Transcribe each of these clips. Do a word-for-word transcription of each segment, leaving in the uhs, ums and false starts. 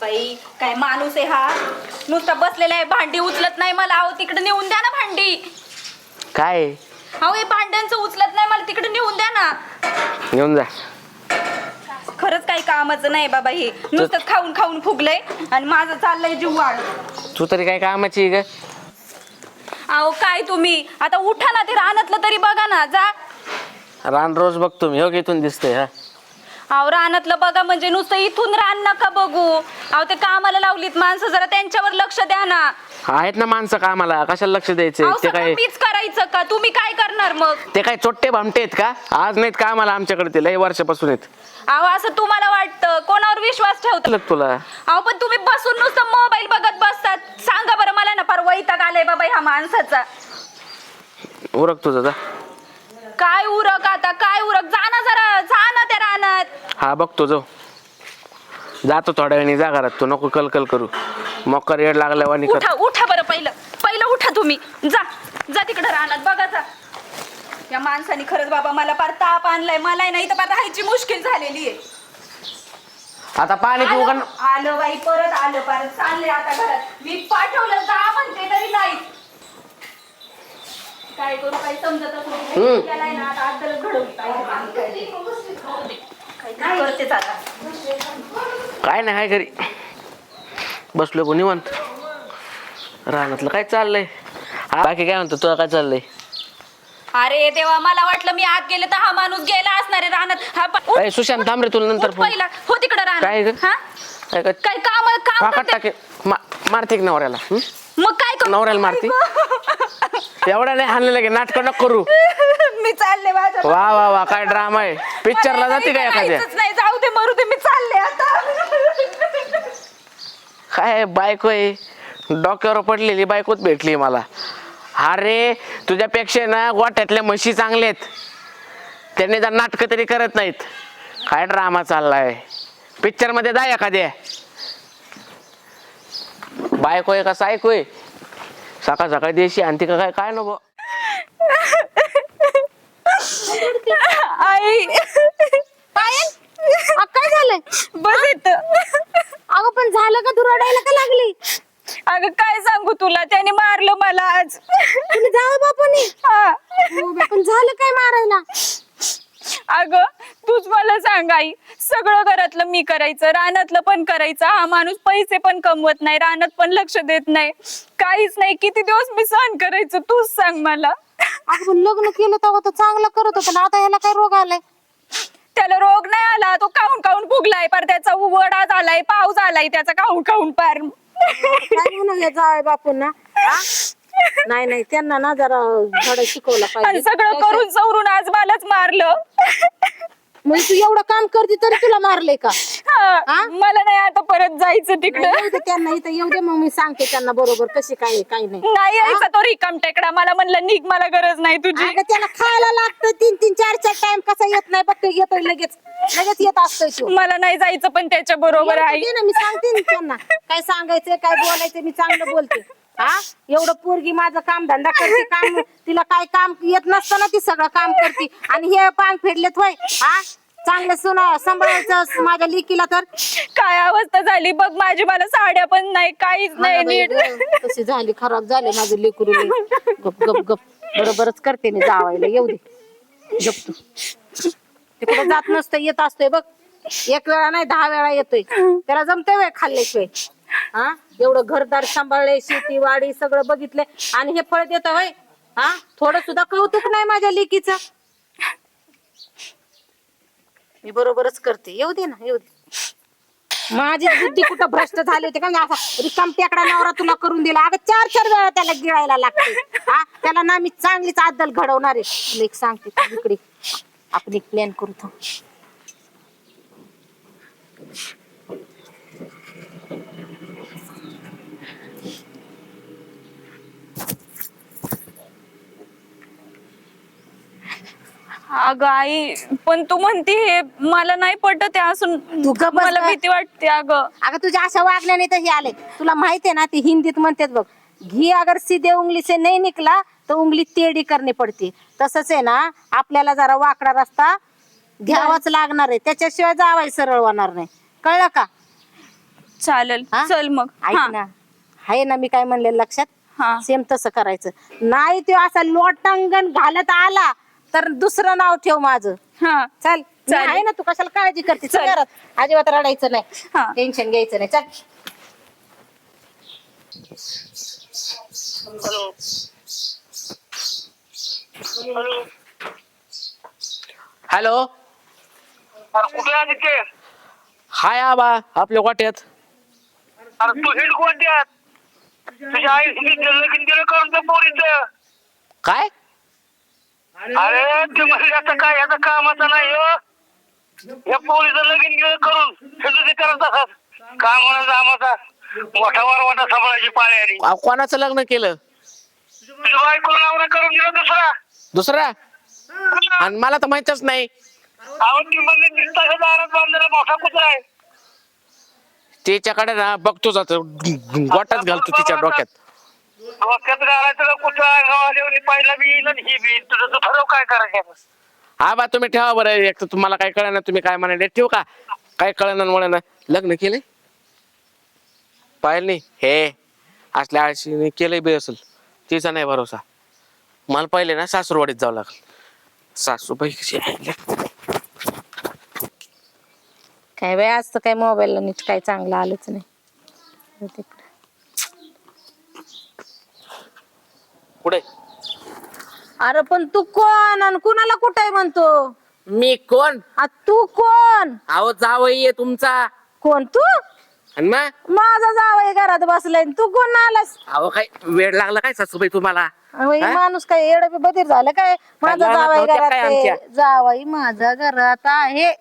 बाई काय माणूस आहे हा, नुसता बसलेला आहे, भांडी उचलत नाही मला. अहो तिकडे नेऊन द्या ना भांडी. काय अहो हे भांड्यांचं उचलत नाही मला, तिकडे नेऊन द्या ना. घेऊन जा. खरंच काही कामाचं नाही बाबा, हे नुसतं खाऊन खाऊन फुगलंय आणि माझं चाललंय जीव वाढ. तू तरी काय कामाची ग? अहो काय तुम्ही आता उठा ना, ते रानातलं तरी बघा ना, जा. रान रोज बघतो मी, हो इथून दिसतंय. हा अहो रानातलं बघा म्हणजे नुसतं इथून रान नका बघू. अहो ते कामाला लावलीत माणसं, जरा त्यांच्यावर लक्ष द्या ना. आहेत ना माणसं कामाला, कशाला लक्ष द्यायचे? अहो ते सगळं काय मीच करायचं का? तुम्ही काय करणार मग? ते काय चोट्टे भामटे आहेत का? आज नाहीत कामाला आमच्याकडे, ते लय वर्षापासून आहेत. अहो असं तुम्हाला वाटतं? कोणावर विश्वास ठेवता लग तुला अहो? पण तुम्ही बसून नुसतं मोबाईल बघत बसतात. सांगा बरं मला ना, फार वैताग आलाय बाबा ह्या माणसाचा. उरक तुझं जा. काय उरक आता, काय उरक? जा ना जरा, जा ना त्या रानात. हा बघतो जाऊ, जातो थोड्या वेळाने. जा घरात, तू नको कलकल करू. मकर येड लागल्यावर निघ. उठा उठा बरं, पहिलं पहिलं उठा तुम्ही. जा जा तिकडे रानात बघा जा. या माणसाने खरंच बाबा मला फार ताप आणलाय. मला नाही तर फार राहायची मुश्किल झालेली आहे. आता पाणी पिऊ का? आलं आलं बाई, परत आलं, परत चालले आता घरात. मी पाठवलं जा म्हणते तरी नाही. काय करू काही समजतच नाही. त्याला ना आता आदल घडवली पाहिजे. काय करतेच आता. काय नाही, हाय घरी बसलो कोणी निवांत. रानातलं काय चाललंय? बाकी काय म्हणतो तुला, काय चाललंय? अरे देवा, मला वाटलं मी आत गेले तर हा माणूस गेला असणार आहे रानात. हा प- उठ, अरे सुशांत थांब रे, तुला नंतर उठ फोन. पहिला हो तिकडे काय ग? रानात. हा काय काय काय काम काम फाकात करते? टाके मा- मारते की नवऱ्याला? हं? मग काय करू? नवऱ्याला मारती? एवढा नाही हाणलेलं की नाटक नको करू. मी चालले माझ्या. वा वा वा, काय ड्रामा आहे. पिक्चरला जाते का एखाद्या? जायचंच नाही, जाऊ दे मरू दे, मी चालले आता. काय बायको आहे, डोक्यावर पडलेली बायकोच भेटली मला. अरे तुझ्यापेक्षा ना गोठ्यातल्या म्हशी चांगल्या आहेत, त्यांनी जर नाटकं तरी करत नाहीत. काय ड्रामा चाललाय. पिक्चर मध्ये जा एखाद्या. बायको आहे का सायको आहे? सकाळ सकाळी देशी आणती का काय? काय नको आई पायल, अ, काय झालंय? बस येतं. अगं पण झालं का? तू रडायला का लागली? अगं काय सांगू तुला, त्याने मारलं मला आज. तुम्ही जावं बापाने. हा. हो बा, पण झालं काय मारायला? अगं तूच मला सांग आई, सगळं घरातलं मी करायचं, रानातलं पण करायचं. हा माणूस पैसे पण कमवत नाही, रानात पण लक्ष देत नाही, काहीच नाही. किती दिवस मी सहन करायचं, तूच सांग मला. अगं पण लग्न केलं तेव्हा तर चांगलं करत होतं ना, आता ह्याला काय रोग आलाय? त्याला रोग नाही आला, तो काऊन काऊन फुगलाय पार. त्याचा वडा झालाय, पाऊस आलाय त्याचा काऊन काऊन पार. काय म्हणून जावं बापून ना? नाही नाही, त्यांना ना जरा धडा शिकवला आणि पाहिजे. सगळं करून सवरून आज मलाच मारलं. म्हणजे तू एवढं काम करते तरी तुला मारलंय का? हा, मला नाही आता परत जायचं नाही, तिकडं. येऊ दे त्यांना इथं, येऊ दे, मग मी सांगते त्यांना बरोबर कशी काय आहे, काय नाही. नाही यायचा तो रिकाम टेकडा. मला म्हणलं निघ, मला गरज नाही तुझी. अगं त्याला खायला लागतं तीन तीन चार चार टाइम, कसा येत नाही बघ, येतोय लगेच लगेच येत असतोय तो. मला नाही जायचं पण त्याच्या बरोबर येऊ आहे. दे ना, मी सांगते ना त्यांना काय सांगायचं काय बोलायचं, मी चांगलं बोलते. हा, एवढं पोरगी माझं काम धंदा करते, काम तिला काय काम येत नसतं ना, ती सगळं काम करते. आणि हे पांग फेडलेत होय. हा, चांगलं सुना सांभाळायचं माझ्या लेकीला. तर काय अवस्था झाली बघ माझी, मला साड्या पण नाही, काहीच नाही नीट. कशी झाली, खराब झाले माझं लेकरू. गप गप गप, बरोबरच करते मी जावायला. येऊ दे, गप तू. ते कुठं जात नसतं, येत असतोय बघ. एक वेळा नाही दहा वेळा येतोय. त्याला जमतंय वेळ खाल्ल्याशिवाय. हा, एवढं घरदार सांभाळले, शेती वाडी सगळं बघितलंय आणि हे फळ देत होय. हा, थोडं सुद्धा कौतुक नाही माझ्या लेकीचं. मी बरोबरच करते. येऊ दे ना, येऊ दे. माझी बुद्धी कुठं भ्रष्ट झाली होती का? असा रिकाम टेकडा नवरा तुला करून दिला. अगं चार चार वेळा त्याला गिळायला लागते. हा, त्याला ना मी चांगलीच आदल घडवणार आहे. तुला एक सांगते, तू इकडे आपण एक प्लॅन करू. थांब. अगं आई, पण तू म्हणती हे मला नाही पटत आहे असून. तू गप्प बस मला गं. भीती वाटते अगं. अगं तुझ्या अशा वागण्याने तर हे आले. तुला माहितीये ना, ती हिंदीत म्हणतात बघ, घी अगर सीधे उंगली से नहीं निकला तो उंगली टेढ़ी करनी पडती. तसंच आहे ना, आपल्याला जरा वाकडा रस्ता घ्यावाच लागणार आहे, त्याच्याशिवाय जावाय सरळ होणार नाही. कळलं का? चालेल हा? चल मग ऐक हा ना आहे ना मी काय म्हणले लक्षात हा सेम तसं करायचं नाही तो असा लोटांगण घालत आला तर दुसरं नाव ठेव माझं हा चल मी चालेल. आहे ना तू कशाला काळजी करते चल चल. घरात अजिबात रडायचं हा. नाही टेन्शन घ्यायचं नाही चल हॅलो अरे कुठे आहे ते? हाय आबा आपल्या वाट्यात. अरे तू हेड कोणत्यात तुझ्या आई लगीन दिलं करून त्या पोरीचं. काय अरे ते म्हणजे आता काय आता कामाचं नाही हो. या पोरीचं लगीन गेलं करून हे ते करत असत कामाला आमाचा मोठा वारवाटा सांभाळायची पाळी आली. अहो, कोणाचं लग्न केलं तुझ्या बायको नवरा करून दिला दुसरा. दुसरा आणि मला तर माहितच नाही. अहो ती म्हणजे दिसता दारात बांधलेला मोठा कुत्रा आहे. तिच्याकडे ना बघतो जातो गोटाच घालतो तिच्या डोक्यात. डोक्यात घालायचं का कुत्रा गावाला पहिला बी येईल आणि ही बी येईल. तुझं तू ठरव काय करायचं. हा बा तुम्ही ठेवा बरं एक तर तुम्हाला काय कळणार तुम्ही काय म्हणाले ठेवू का काय कळणार मुळे लग्न केलंय पाहिलं नाही हे असल्या आळशीने केलंय बी असेल तिचा नाही भरोसा. मला पहिले ना सासूरवाडीत जावं लागल. सासूबाई कशी आहे? काय बाय आज तर काय मोबाईलला नीट काय चांगलं आलंच नाही तिकडे कुठे अरे पण तू कोण आणि कुणाला कुठे म्हणतो मी कोण आ, तू कोण अहो जावई आहे तुमचा कोण तू आणि मग माझा जावई घरात बसलाय तू कोण आलास अहो काय वेळ लागला काय सासूबाई तुम्हाला अहो, हे हा? माणूस काय येड बधीर झालं काय माझा लहानात जावई नव्हत्या घरात काय आहे. आमच्या? जावई माझा घरात आहे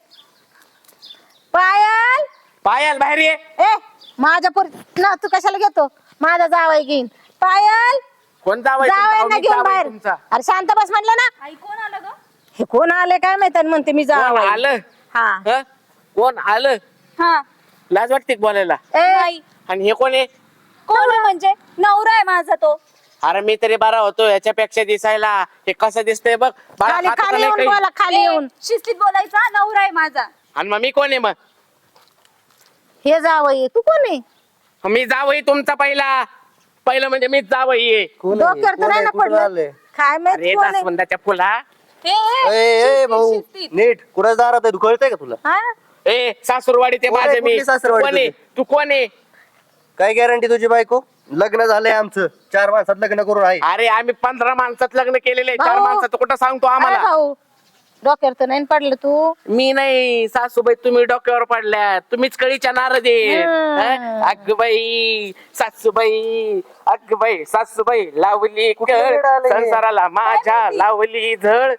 पायल पायल बाहेर ये. ए माझ्या पोरी ना तू कशाला घेतो माझा जावई घेईन पायल कोण जावई तुमचा? जावई अहो, ना मी घेऊन जावई बाहेर तुमचा. अरे शांत बस म्हणलं ना आई कोण आलं ग हे कोण आले काय माहित आणि म्हणते मी कोण जावई आलं हा हं? कोण आलं हा लाज वाटते का बोलायला ए नाही आणि हे कोण आहे कोण आहे म्हणजे नवरा आहे माझा तो अरे मी तरी बरा होतो याच्यापेक्षा दिसायला हे कसं दिसतंय बघ बाळा, खाली हातात खाली आलंय येऊन काही. बोला खाली ए, येऊन शिस्तीत बोलायचा नवरा आहे माझा. आणि मग मी कोण आहे मग हे जावई तू कोण आहे मी जावई तुमचा पहिला पहिलं म्हणजे मीच जावई आहे. डोक्यावर तर नाही ना पडलं काय अरे माहित कोण आहे जास्वंदाच्या फुला ए, ए, ए ए शिस्तीत, भाऊ शिस्तीत. नीट कुठं दारात आहे तू कळतंय का तुला हा? ए सासूरवाडी ते कोण आहे? माझे मी कुठली सासूरवाडी कोण आहे? तुझी? तू कोण आहे काय गॅरंटी तुझी बायको लग्न झालंय आमचं चार माणसात लग्न करून आहे अरे आम्ही पंधरा माणसात लग्न केलेले चार भाऊ. माणसात कुठं सांगतो अरे आम्हाला भाऊ डोक्यावर तर नाही पडलं तू मी नाही सासूबाई तुम्ही डोक्यावर पडल्या तुम्हीच कळीच्या नारद हम्म. अग बाई सासूबाई अग बाई सासूबाई लावली कुठे कळ वेड आलंय? संसाराला माझ्या लावली झळ.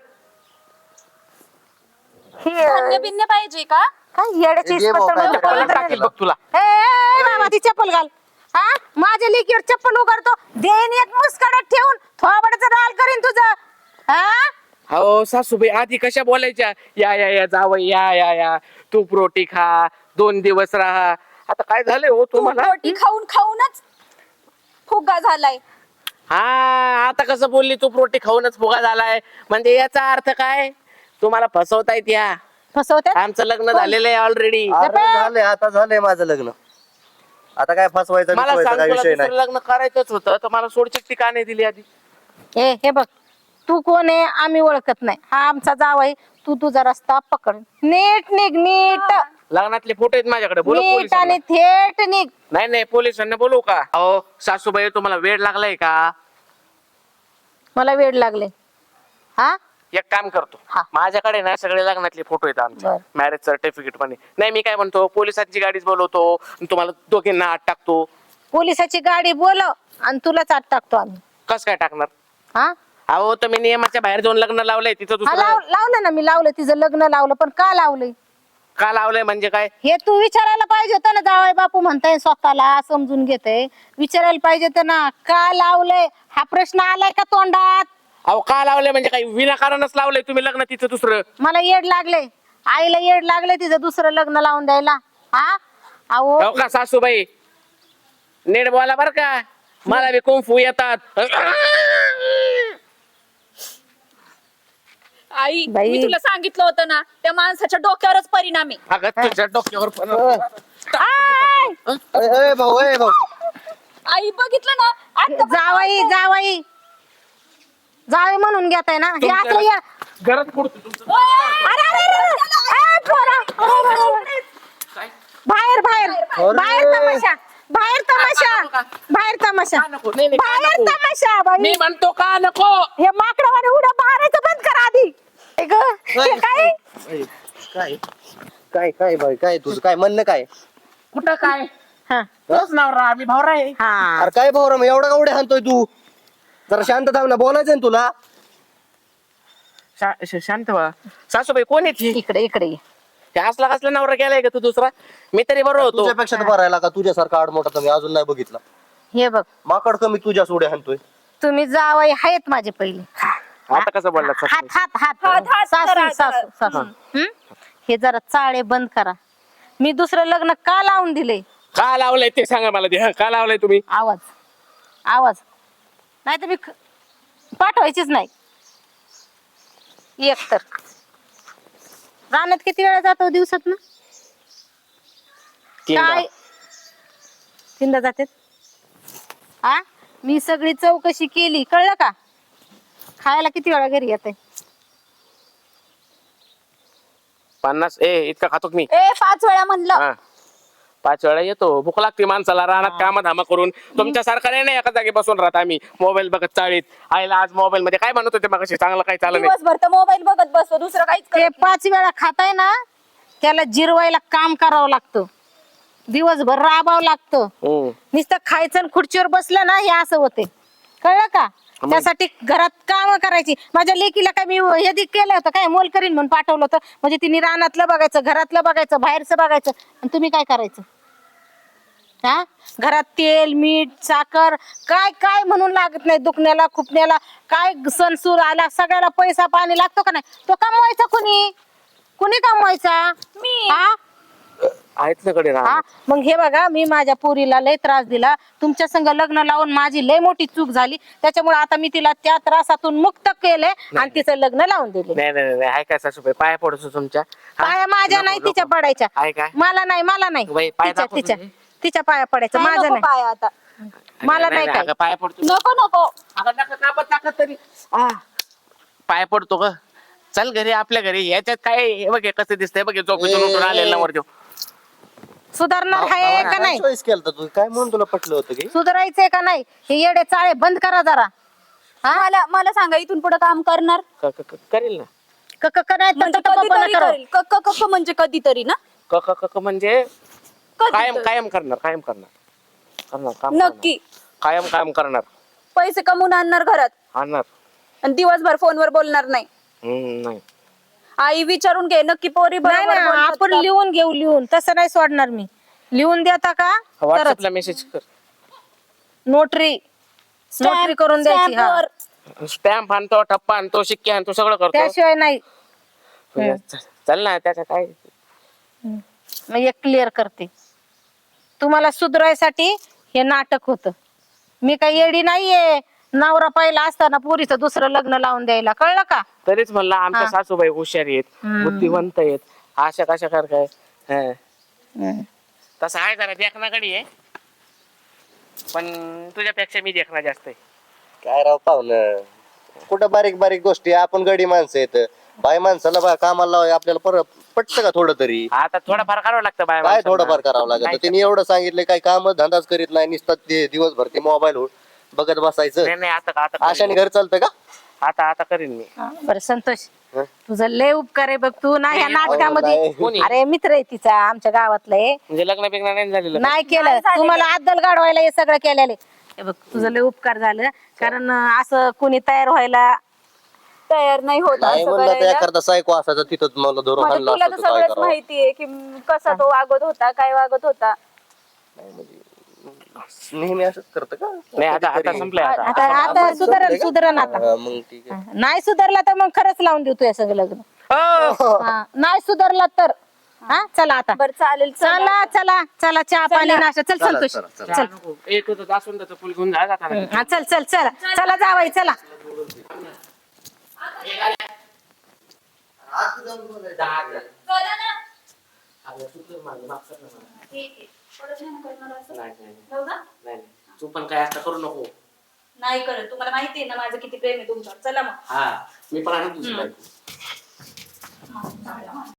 धान्य बिन्य पाहिजे का काय येड्याची ए, घे इस्पत भाऊ, काय तर चप्पल मला टाकील बघ तुला ए, ए, ए, बाबा ती चप्पल घाल हा माझ्या लेकीवर चप्पल उघडतो देन एक मुस्कडत ठेवून थोबडच राल करीन तुझं हा हो सासूबाई आधी कशा बोलायच्या या या या जावई या या या तूप रोटी खा दोन दिवस राहा आता काय झालंय हो तू तुम्हाला रोटी खाऊन खाऊनच फुगा झालाय. हा आता कसं बोलली तूप रोटी खाऊनच फुगा झालाय म्हणजे याचा अर्थ काय तुम्हाला फसवतायत या फसवते आमचं लग्न झालेलं आहे ऑलरेडी अरे झालंय आता झालंय माझं लग्न आता काय फसवायचं मला बिसवायचं सांग काय तुला विषय दुसरं नाही लग्न करायचंच होतं तर मला सोडचिठ्ठी का नाही दिली आधी ए हे बघ तू कोण आहे आम्ही ओळखत नाही हा आमचा जावई तू तुझा रस्ता पकड नीट निघ नीट लग्नातले फोटो आहेत माझ्याकडे बोलू नीट पोलिसांना आणि थेट निघ नाही नाही पोलिसांना बोलू का अहो सासूबाई तुम्हाला वेळ लागलाय का मला वेळ लागले हा एक काम करतो हा. माझ्याकडे ना सगळे लग्नातले फोटो आहेत आमचे बर. मॅरेज सर्टिफिकेट पण आहे. नाही मी काय म्हणतो पोलिसांची गाडीच बोलवतो आणि तुम्हाला दोघींना आत टाकतो पोलिसाची गाडी बोलव आणि तुलाच आत टाकतो आम्ही कस काय टाकणार हा अहो तुम्ही नियमाच्या बाहेर जाऊन लग्न लावलंय तिथं हा, दुसरं लाव लावलं ना मी लावलं तिचं लग्न लावलं पण का लावलंय का लावलंय म्हणजे काय हे तू विचारायला पाहिजे होतं ना जावई बापू म्हणताय स्वतःला समजून घेते विचारायला पाहिजे होतं ना का लावलंय हा प्रश्न आलाय का तोंडात अहो का लावलंय म्हणजे काय विनाकारणच लावलंय तुम्ही लग्न तिथं दुसरं मला येड लागले आईला येड लागले तिचं दुसरं लग्न लावून द्यायला हा अहो हो का सासूबाई नीट बोला बर का मला बी कुंफू येतात आई बाई. मी तुला सांगितलं होतं ना त्या माणसाच्या डोक्यावरच परिणाम आहे. अगं तुझ्या डोक्यावर पण आय! ए, ए, भाऊ ए भाऊ आई बघितलं ना आता जावाई जावाई जावे म्हणून घेताय ना हे असलं या घरात पडतो तुमचं. अरे, अरे, अरे, अरे, ए, पोरा, अरे, अरे, अरे. बाहेर बाहेर बाहेर तमाशा बाहेर तमाशा बाहेर तमाशा नको, नाही, नाही, का बाहेर नको? तमाशा बाई मी म्हणतो का नको. हे माकडवाने उड्या मारायचं बंद करा आधी ए ग, हे काय ए, काय काय काय भाई काय तुझं काय म्हणणं काय कुठं काय हा तोच नवरा आम्ही भावरा आहे. हा अरे काय भाऊ मग एवढा उड्या हाणतोय तू जरा शांत थांब ना बोलायचं ना तुला शा- श- शांत व्हा. सासूबाई कोण आहे ती? इकडे इकडे ये. ते असला कसला नवरा गेलाय का तू दुसरा? मी तरी बरोबर होतो. तुझ्यापेक्षा तर भरायला का तुझ्यासारखा आडमोठा तर मी अजून नाही बघितला हे बघ माकड कमी तुझ्या उड्या हाणतोय तुम्ही जावाई आहेत माझे पहिले आता कसं बोलला हात हात हात हात, हात सासू करा, सासू सासू हं? हे जरा चाळे बंद करा मी दुसरं लग्न का लावून दिले का लावलंय ते सांगा मला ते. हं, का लावलंय तुम्ही? आवाज आवाज नाही तर मी ख- पाठवायचीच नाही एक तर रानात किती वेळा जातो दिवसात ना तीनदा. काय तीनदा जाते हा मी सगळी चौकशी केली कळलं का खायला किती वेळा घरी येते पन्नास ए इतका खातो का मी? ए पाच वेळा म्हणलं हा पाच वेळा येतो. भूक लागते माणसाला रानात कामं धामा करून. तुमच्या सारखा नाही ना एका जागी बसून राहत आम्ही मोबाईल बघत चाळीत. आईला आज मोबाईल मध्ये काय म्हणत होते मग चांगलं काही चाललं नाही. दिवसभर तर मोबाईल बघत बसतो दुसरं काहीच ते करत पाच वेळा खाताय ना त्याला जिरवायला काम करावं लागतं दिवसभर राबावं लागतं हम्म. नुसतं खायचं आणि खुर्चीवर बसलं ना हे असं होते कळलं का त्यासाठी घरात काम करायची माझ्या लेकीला काय मी हे दि- केलं होतं काय मोल करीन म्हणून पाठवलं होतं म्हणजे तिने रानातलं बघायचं घरातलं बघायचं बाहेरचं बघायचं आणि तुम्ही काय करायचं हा घरात तेल मीठ साखर काय काय म्हणून लागत नाही दुखण्याला खुपण्याला काय सणसूर आला सगळ्याला पैसा पाणी लागतो का नाही तो कमवायचा कुणी कुणी कमवायचा मी. हा आहेत ना कडे हा राहत. मग हे बघा मी माझ्या पोरीला लय त्रास दिला तुमच्या संग लग्न लावून माझी लय मोठी चूक झाली त्याच्यामुळे आता मी तिला त्या त्रासातून मुक्त केले आणि तिचं लग्न लावून दिले नाही नाही नाही आहे काय सासूबाई पाया पडतो तुमच्या. हा? पाया माझ्या नको, नाही नको. तिच्या पडायच्या आहे काय? मला नाही मला नाही बाई, पाय तिच्या दाखव तिच्या तुझे. तिच्या पाया पडायचं काय माझं नको नाही पाय आता मला नाही काय अगं, पाया पडतो. नको नको अगं, नका कापत टाकत तरी आ, पाया पडतो ग. चल घरी आपल्या घरी याच्यात काय हे बघ हे कसं दिसतंय बघ हे झोपेतून उठून आलेला वर देऊ. सुधारणार आहे का नाही चॉईस केलं तू काय म्हणून तुला पटलं होतं की सुधारायचंय का नाही हे येडे चाळे बंद करा जरा मला मला सांगा इथून पुढे काम करणार क- क- क- करेल ना. क- क- क- नाही तर म्हणजे टपकपणा कधीतरी करा. करेल क- क- क- म्हणजे कधीतरी ना क क क- क म्हणजे कायम कधीतरी. कायम करणार कायम करणार करणार काम करणार. नक्की कायम कायम करणार पैसे कमवून आणणार घरात आणणार. आणि दिवसभर फोनवर बोलणार नाही हम्म, नाही आई विचारून घे नक्की पोरी नाही बरोबर ना बोलतात आपण का? लिहून घेऊ लिहून तसं नाही सोडणार मी लिहून देता का तरच व्हॉट्सअपला मेसेज कर. नोटरी Stamp- नोटरी करून द्यायची हा. stamp वर. स्टॅम्प आणतो टप्पा आणतो शिक्के आणतो सगळं करतो. त्याशिवाय नाही च- चल ना त्याचं काय. मग एक क्लिअर करते तुम्हाला सुधरायसाठी हे नाटक होतं मी काही येडी नाहीये नवरा पहिला असताना पुरीचं दुसरं लग्न लावून द्यायला कळलं का तरीच म्हणलं आमच्या हा. सासूबाई हुशार आहेत हम्म. बुद्धिवंत आहेत अशा कशा कर काय हं. तसं आहे जरा देखणाकडे आहे पण तुझ्यापेक्षा मी देखणा जास्त आहे. काय राव पाहुणं कुठं बारीक बारीक गोष्टी आपण गडी माणसं येत बाय माणसाला बा कामाला लावाय आपल्याला परत पटतं का थोडं तरी आता थोडंफार करावं लागतं बाय काय माणसांना. थोडंफार करावं लागत नाही तिने एवढं सांगितलं काही काम धंदाच करीत नाही नुसतं ते दिवसभर ते मोबाईल बघत बसायचं नाही नाही, आता आता आशाने करीन. घर चालतं का आता आता करीन मी. बरं संतोष हं? तुझं लय उपकार आहे बघ तू ना ह्या नाही, नाटकामध्ये नाही. कोणी? अरे मित्र आहे तिचा आमच्या गावातला आहे म्हणजे लग्न बिग्न नाही झालेलं. नाही केलं झालेलं. तुम्हाला अद्दल गाडवायला हे सगळं केलेले हे बघ तुझं लय उपकार झालं कारण अं, असं कोणी तयार व्हायला तयार नाही होत नाही असं म्हणलं तर करायला. एखादा सायको असायचा तिथं मला धरून म्हणजे आणला तुला तर असतं तर काय सगळंच करावं माहितीये की म, कसा तो वागत होता काय वागत होता नेहमी असंच करतं का नाही आता आता संपलंय आता. आता आता सुधारण सुधारण आता हा, मग ठीक आहे नाही सुधारला तर मग खरंच लावून देऊ तुझ्या सगळं लग्न हो. हा, नाही सुधारला तर हा चला आता बरं चालेल चला. चला चला चला चहा पाणी नाश्ता चल चला, संतोष चला, चला. चल नको. एक होतं जास्वंदाचं फुल घेऊन जा जाताना. हा चल चल चला चला जावाई चला अगं तू कर माझं, माफ कर ना मला. ठीक आहे परत नाही करणार असं. नाही नाही हो का? नाही नाही. तू पण काय असं करू नको. नाही करत, तुम्हाला माहिती आहे ना माझं किती प्रेम आहे तुमच्यावर. चला मग. हा मी पण आहे ना तुझी हम्म. बायको. हा, चालेल.